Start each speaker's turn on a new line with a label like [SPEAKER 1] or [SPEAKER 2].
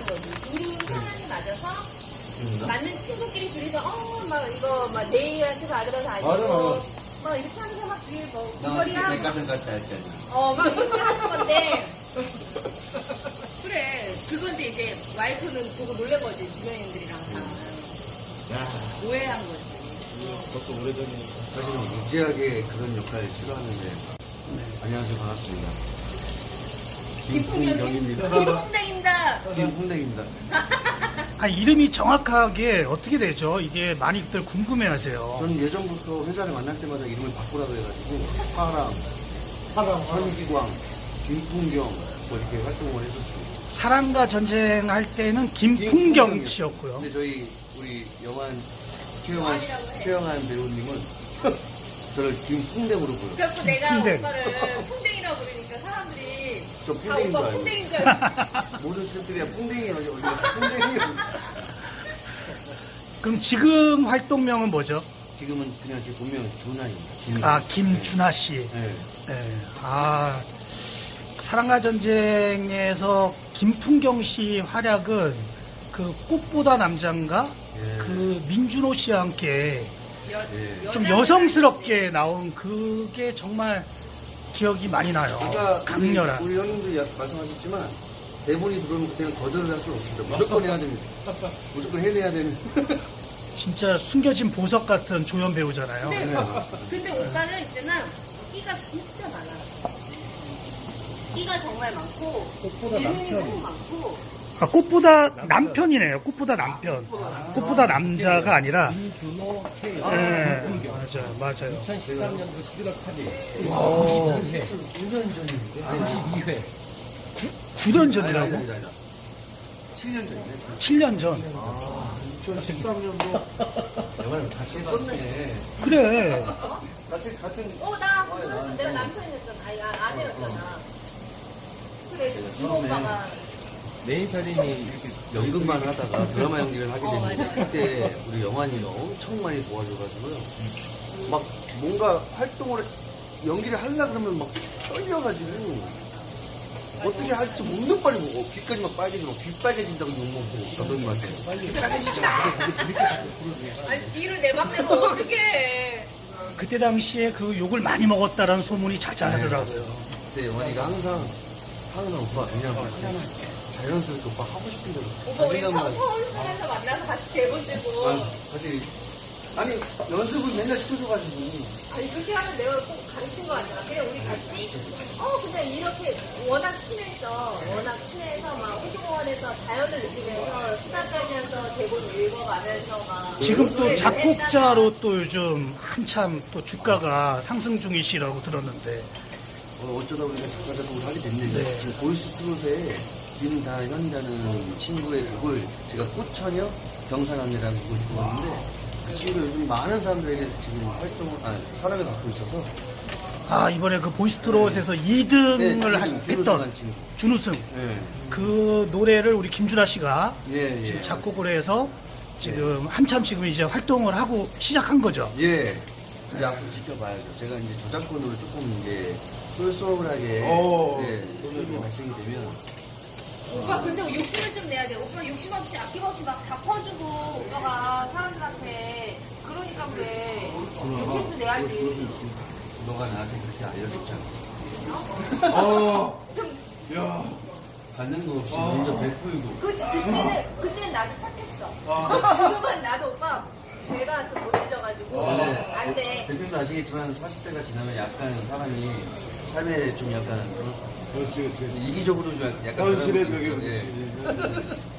[SPEAKER 1] 거지. 둘이 상황이 맞아서 맞는 친구끼리 둘이서 막 이거 막 내일한테 받으러 다니고
[SPEAKER 2] 맞아.
[SPEAKER 1] 막 이렇게 하면서 막 뒤에 뭐
[SPEAKER 2] 나
[SPEAKER 1] 귀걸이 하고
[SPEAKER 2] 내 같은 갔다 했잖아.
[SPEAKER 1] 막 이렇게 하는 건데 그래 그건데 이제 와이프는 보고 놀란 거지 주변인들이랑 다 오해한 거지.
[SPEAKER 3] 그것도 오래전이니까.
[SPEAKER 2] 사실은 무지하게 그런 역할을 싫어하는데. 안녕하세요, 반갑습니다. 김풍경입니다.
[SPEAKER 1] 김풍뎅입니다.
[SPEAKER 2] 김풍경입니다.
[SPEAKER 4] 아, 이름이 정확하게 어떻게 되죠? 이게 많이들 궁금해하세요.
[SPEAKER 2] 저는 예전부터 회사를 만날 때마다 이름을 바꾸라고 해가지고 파랑, 천기광, 김풍경 뭐 이렇게 활동을 했었습니다.
[SPEAKER 4] 사랑과 전쟁할 때는 김풍경 씨였고요.
[SPEAKER 2] 근데 저희 우리 최영한 배우님은 저를 김풍뎅으로 불러요.
[SPEAKER 1] 그래서 내가
[SPEAKER 4] 풍뎅.
[SPEAKER 1] 오빠를 풍뎅이라고 부르니까 사람들이
[SPEAKER 2] 저
[SPEAKER 1] 다
[SPEAKER 2] 풍뎅인 줄
[SPEAKER 1] 오빠
[SPEAKER 2] 알고.
[SPEAKER 1] 풍뎅인 줄 알고
[SPEAKER 2] 모든 스태프들이 풍뎅이 어디 풍뎅이.
[SPEAKER 4] 그럼 지금 활동명은 뭐죠?
[SPEAKER 2] 지금은 그냥 제 본명은 준하입니다.
[SPEAKER 4] 아, 김준하 씨.
[SPEAKER 2] 네.
[SPEAKER 4] 네. 아, 사랑과 전쟁에서 김풍경 씨 활약은 그 꽃보다 남자인가?
[SPEAKER 2] 예.
[SPEAKER 4] 그 민준호 씨와 함께
[SPEAKER 2] 예.
[SPEAKER 4] 좀 여성스럽게 나온 그게 정말 기억이 많이 나요.
[SPEAKER 2] 아까
[SPEAKER 4] 강렬한.
[SPEAKER 2] 우리 형님도 말씀하셨지만 대본이 들어오면 그때는 거절을 할 수는 없습니다. 무조건 해야 됩니다. 무조건 해내야 되는.
[SPEAKER 4] 진짜 숨겨진 보석 같은 조연 배우잖아요.
[SPEAKER 1] 근데 오빠는 있잖아 끼가 진짜 많아. 끼가 정말 많고 재능이 너무 많고
[SPEAKER 4] 아, 꽃보다 남편이네요. 꽃보다 남편. 꽃보다 남자가 아니라.
[SPEAKER 3] 김준호, 최영,
[SPEAKER 4] 네,
[SPEAKER 3] 김풍경.
[SPEAKER 4] 맞아요.
[SPEAKER 3] 2013년도 11월 8일.
[SPEAKER 4] 오,
[SPEAKER 2] 9년 전인데.
[SPEAKER 3] 92회.
[SPEAKER 4] 9년 전이라고?
[SPEAKER 2] 아니다. 7년 전이네.
[SPEAKER 4] 7년 전.
[SPEAKER 2] 2013년도 영화를 같이 했었네.
[SPEAKER 4] 그래.
[SPEAKER 2] 같은
[SPEAKER 1] 나 내가 남편이었잖아. 아니 아내였잖아. 그래 준호 오빠가
[SPEAKER 3] 메인 편인이 이렇게
[SPEAKER 2] 연극만 하다가 드라마 연기를 하게 됐는데
[SPEAKER 1] 맞아.
[SPEAKER 2] 그때 우리 영환이가 엄청 많이 도와줘가지고요. 막 뭔가 활동을 연기를 하려고 그러면 막 떨려가지고 어떻게 할지 목는 빨리 보고 귀까지 막 빨개지고 귀 빨개진다고 욕먹고 감독님한테 그때 하기 진짜
[SPEAKER 1] 아니 뒤를 내 맘대로 어떻게 해.
[SPEAKER 4] 그때 당시에 그 욕을 많이 먹었다라는 소문이 자자하더라고요.
[SPEAKER 2] 그때 영환이가 항상 오빠 그냥 자연스럽게 오빠 하고 싶은 대로
[SPEAKER 1] 오빠 우리
[SPEAKER 2] 자신감을
[SPEAKER 1] 서울에서 만나서 같이 대본 들고
[SPEAKER 2] 같이 아니 연습을 맨날 시켜줘가지고
[SPEAKER 1] 아니 그렇게 하면 내가 꼭 가르친 거 아니야. 그냥 우리 같이 그냥 이렇게 워낙 친해서 막 호주공원에서 자연을 느끼면서 수다 떨면서 대본 읽어가면서 막
[SPEAKER 4] 지금 또
[SPEAKER 1] 노래를
[SPEAKER 4] 작곡자로 또 요즘 한참 또 주가가 상승 중이시라고 들었는데.
[SPEAKER 2] 어쩌다 보니까 작가 작곡을 하게 됐는데
[SPEAKER 4] 네.
[SPEAKER 2] 지금 보이스 트롯에 김다현이라는 친구의 곡을 제가 꽃처녀 경사남이라는 곡을 불렀는데 그 친구가 요즘 많은 사람들에게 지금 사랑을 받고 있어서
[SPEAKER 4] 아, 이번에 그 보이스트롯에서 2등을 했던
[SPEAKER 2] 친구.
[SPEAKER 4] 준우승.
[SPEAKER 2] 네.
[SPEAKER 4] 그 노래를 우리 김준하 씨가
[SPEAKER 2] 예,
[SPEAKER 4] 지금 작곡을 해서 지금 한참 지금 이제 활동을 하고 시작한 거죠.
[SPEAKER 2] 예. 이제 앞으로 지켜봐야죠. 제가 이제 저작권으로 조금 이제 쏠쏠하게 소문이 발생이 되면
[SPEAKER 1] 오빠 근데 욕심을 좀 내야 돼. 오빠 욕심 없이 아낌없이 막 다 퍼주고 오빠가 사람들한테 그러니까 그래. 욕심도 내야지.
[SPEAKER 2] 너가 나한테 그렇게 알려줬잖아.
[SPEAKER 1] 좀
[SPEAKER 2] 받는 거 없이 먼저 베풀고.
[SPEAKER 1] 그때는 나도 착했어. 지금은 나도 오빠 배가 좀 못해져가지고 안 돼.
[SPEAKER 2] 대표님도 아시겠지만 40대가 지나면 약간 사람이 삶에 좀 약간
[SPEAKER 3] 그렇지.
[SPEAKER 2] 이기적으로 좀 약간
[SPEAKER 3] 현실의
[SPEAKER 2] 그런
[SPEAKER 3] 벽에
[SPEAKER 2] 거 있죠. 예.
[SPEAKER 3] 부딪히지.